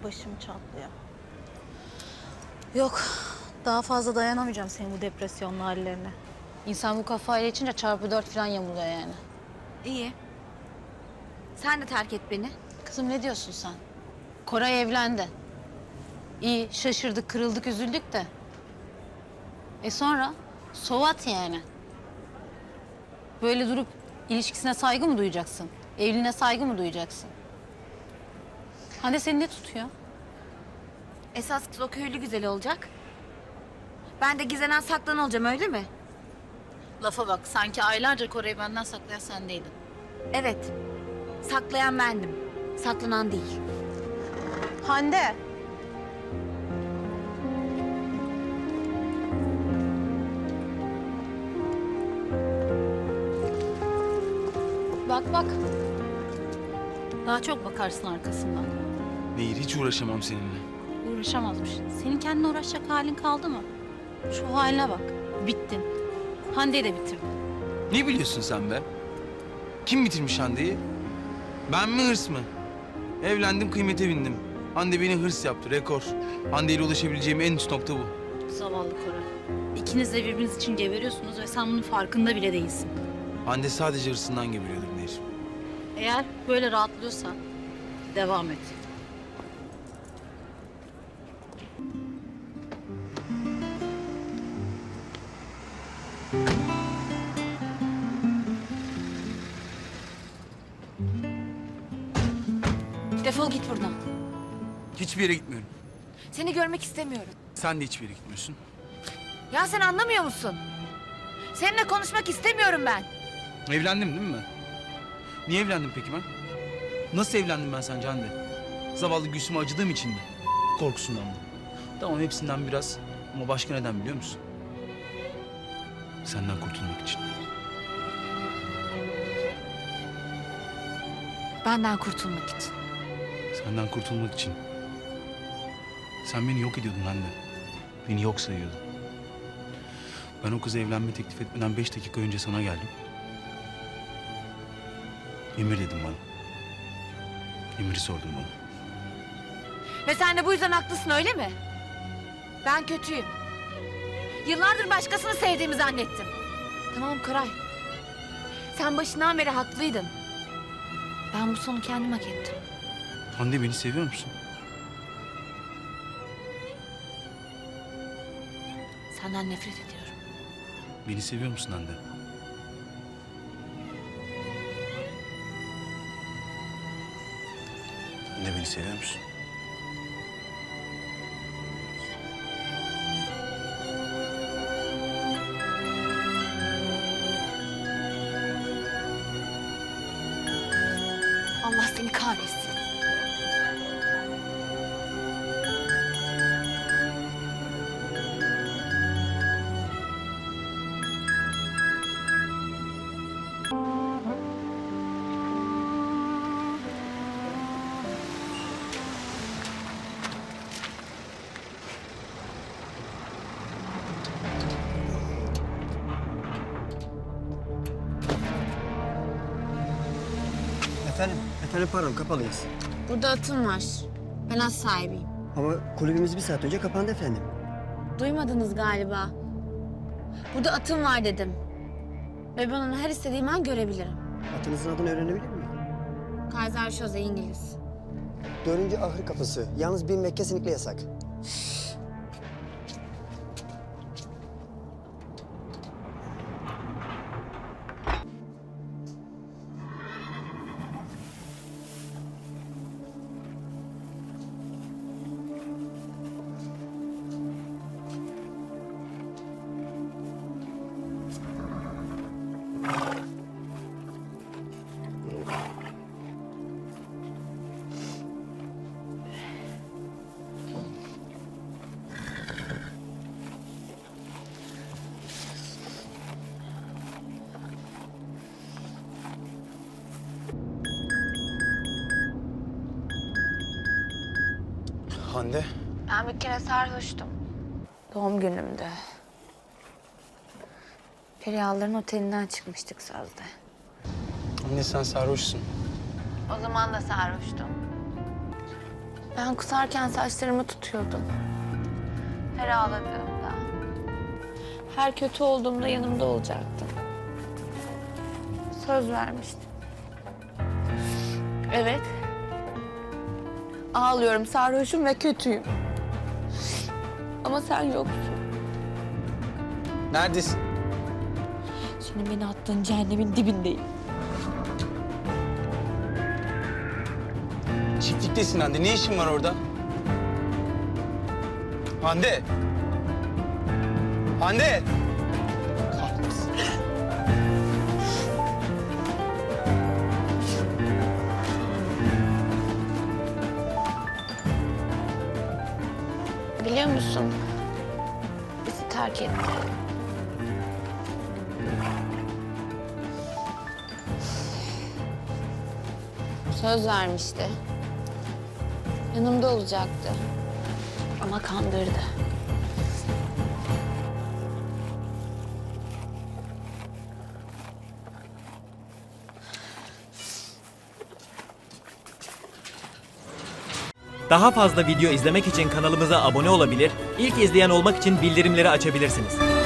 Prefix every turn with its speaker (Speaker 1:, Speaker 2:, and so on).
Speaker 1: Başım çatlıyor. Yok, daha fazla dayanamayacağım senin bu depresyonlu hallerine.
Speaker 2: İnsan bu kafayla içince çarpı 4 falan yamuluyor yani.
Speaker 3: İyi. Sen de terk et beni.
Speaker 2: Kızım ne diyorsun sen? Koray evlendi. İyi, şaşırdık, kırıldık, üzüldük de. Sonra? So what yani? Böyle durup ilişkisine saygı mı duyacaksın? Evliliğine saygı mı duyacaksın? Hande seni ne tutuyor?
Speaker 3: Esas kız o köylü güzel olacak. Ben de gizlenen saklan olacağım, öyle mi?
Speaker 2: Lafa bak, sanki aylarca Koray'ı benden saklayan sen değildin.
Speaker 3: Evet. Saklayan bendim. Saklanan değil.
Speaker 1: Hande!
Speaker 2: Bak bak. Daha çok bakarsın arkasından.
Speaker 4: Nehir, hiç uğraşamam seninle.
Speaker 2: Uğraşamazmış. Senin kendine uğraşacak halin kaldı mı? Şu haline bak. Bittin. Hande'yi de bitirdin.
Speaker 4: Ne biliyorsun sen be? Kim bitirmiş Hande'yi? Ben mi, hırs mı? Evlendim, kıymete bindim. Hande beni hırs yaptı, rekor. Hande ile ulaşabileceğim en üst nokta bu.
Speaker 2: Zavallı Koray. İkiniz de birbiriniz için geberiyorsunuz ve sen bunun farkında bile değilsin.
Speaker 4: Hande sadece hırsından geberiyordur Nehir.
Speaker 2: Eğer böyle rahatlıyorsan devam et.
Speaker 3: Defol git buradan.
Speaker 4: Hiçbir yere gitmiyorum.
Speaker 3: Seni görmek istemiyorum.
Speaker 4: Sen de hiçbir yere gitmiyorsun.
Speaker 3: Ya sen anlamıyor musun? Seninle konuşmak istemiyorum ben.
Speaker 4: Evlendim değil mi ben? Niye evlendim peki ben? Nasıl evlendim ben sence Hande? Zavallı Gülsüm'e acıdığım için mi? Korkusundan mı? Tamam, hepsinden biraz. Ama başka neden biliyor musun? Senden kurtulmak için.
Speaker 3: Benden kurtulmak için.
Speaker 4: Senden kurtulmak için. Sen beni yok ediyordun Hande. Beni yok sayıyordun. Ben o kıza evlenme teklif etmeden 5 dakika önce sana geldim. Emir dedim bana. Emir'i sordum bana.
Speaker 3: Ve sen de bu yüzden haklısın, öyle mi? Ben kötüyüm. Yıllardır başkasını sevdiğimi zannettim. Tamam Koray. Sen başından beri haklıydın. Ben bu sonu kendim hak ettim.
Speaker 4: Hande, beni seviyor musun?
Speaker 3: Senden nefret ediyorum.
Speaker 4: Beni seviyor musun Hande? Hande, beni seviyor musun?
Speaker 3: Allah seni kahretsin.
Speaker 5: Efendim pardon, kapalıyız.
Speaker 3: Burada atım var. Ben az sahibiyim.
Speaker 5: Ama kulübümüz 1 saat önce kapandı efendim.
Speaker 3: Duymadınız galiba. Burada atım var dedim. Ve ben onu her istediğim an görebilirim.
Speaker 5: Atınızın adını öğrenebilir miyim?
Speaker 3: Kaiser Jose İngiliz.
Speaker 5: 4. ahır kapısı. Yalnız binmek kesinlikle yasak.
Speaker 4: Hande.
Speaker 3: Ben bir kere sarhoştum. Doğum günümde. Perihalların otelinden çıkmıştık sözde.
Speaker 4: Anne, sen sarhoşsun.
Speaker 3: O zaman da sarhoştum. Ben kusarken saçlarımı tutuyordun. Her ağladığımda, her kötü olduğumda yanımda olacaktın. Söz vermiştin. Evet. Ağlıyorum, sarhoşum ve kötüyüm. Ama sen yoksun.
Speaker 4: Neredesin?
Speaker 3: Senin beni attığın cehennemin dibindeyim.
Speaker 4: Çiftliktesin Hande. Ne işin var orada? Hande! Hande! Kahretsin.
Speaker 3: Biliyor musun? Bizi terk etti. Söz vermişti. Yanımda olacaktı. Ama kandırdı.
Speaker 6: Daha fazla video izlemek için kanalımıza abone olabilir, ilk izleyen olmak için bildirimleri açabilirsiniz.